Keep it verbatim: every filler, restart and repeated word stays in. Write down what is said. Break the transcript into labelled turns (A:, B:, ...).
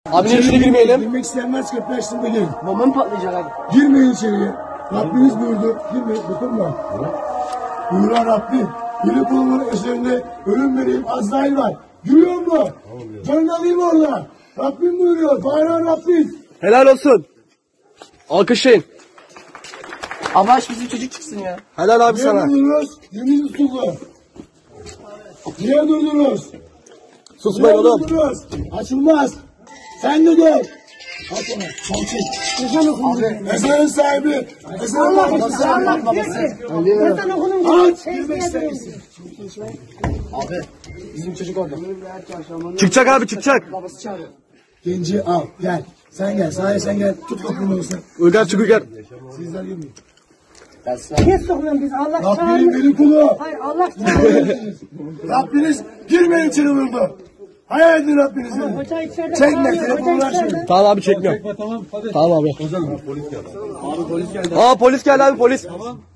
A: Abi ne içine girmeyelim?
B: Girmek isteyenler kapılaştığında gelin.
A: Bomba mı patlayacak abi?
B: Girmeyin içeriye. Rabbimiz buyurdu. Girmeyin. Dokunma. Buyuran Rabbim. Biri kulumun üzerinde ölüm vereyim. Azrail var. Gülüyor mu? Canını alayım orada. Rabbim buyuruyor. Bağıran Rabbim.
A: Helal olsun. Alkışlayın. Abi aç bizim çocuk çıksın ya. Helal abi
B: Niye
A: sana.
B: durdunuz? Yemin tutuldu. Niye durdunuz?
A: Susmayın
B: Niye
A: oğlum.
B: durdunuz? Açılmaz. Sen de dur. Aç ona. Salçın.
C: Ezan okundu.
B: Ezanın sahibi. Ezanın babası.
C: Allah babası. Ezan okunun.
B: Aç. Girmek ister misin?
A: Abi bizim çocuk orada. Çıkacak abi çıkacak.
C: Babası çağırıyor.
B: Genci al. Gel. Sen gel. Sahaya sen gel. Tut kapını olsun.
A: Uygar çık Uygar.
B: Sizler girmeyin.
C: Niye sokuyorsun biz? Allah
B: Rabbinin
C: çağırmıyor.
B: beni kulu.
C: Hayır Allah çağırmıyor.
B: Rabbiniz girmeyin içeri vurdu. Hayal edin Rabbinizi.
C: Hoca içeride
B: Çekme.
C: çağırmıyor,
B: Telefonu
C: hoca
B: ver
C: içeride.
B: şimdi.
A: Tamam abi çekmiyorum. Tamam abi. Aa polis geldi abi polis.